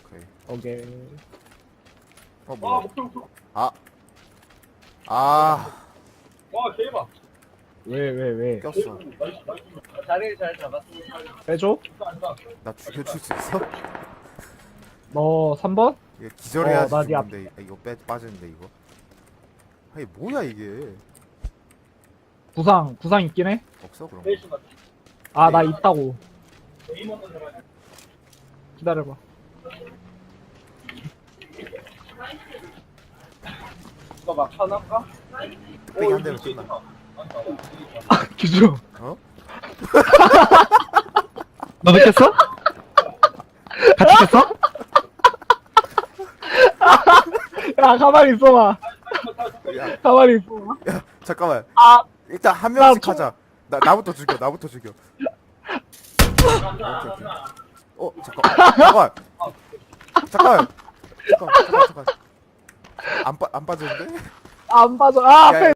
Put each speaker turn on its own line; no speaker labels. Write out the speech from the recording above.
오케이.
오케이.
뭐야?
와 대박.
왜?
꼈어.
자리를 잘 잡았습니다.
빼줘?
나 죽여줄 수 있어?
너 3번?
이거 기절해야지
나 네 앞-
죽는데 이거 빠지는데 이거. 아니 뭐야 이게?
구상 있긴 해?
없어 그럼?
아, 나 있다고. 기다려봐.
이거 막 쳐놨까?
뚝배기 한 대면 끝나.
아, 기준.
어?
너 느꼈어? 같이 깼어? 야, 가만히 있어봐.
야,
가만히 있어봐.
야 잠깐만.
아,
일단 한
나
명씩
총-
하자. 나부터 죽여. 오케이. 잠깐. 잠깐. 안 빠졌는데?
안 빠져. 아,
야, 야,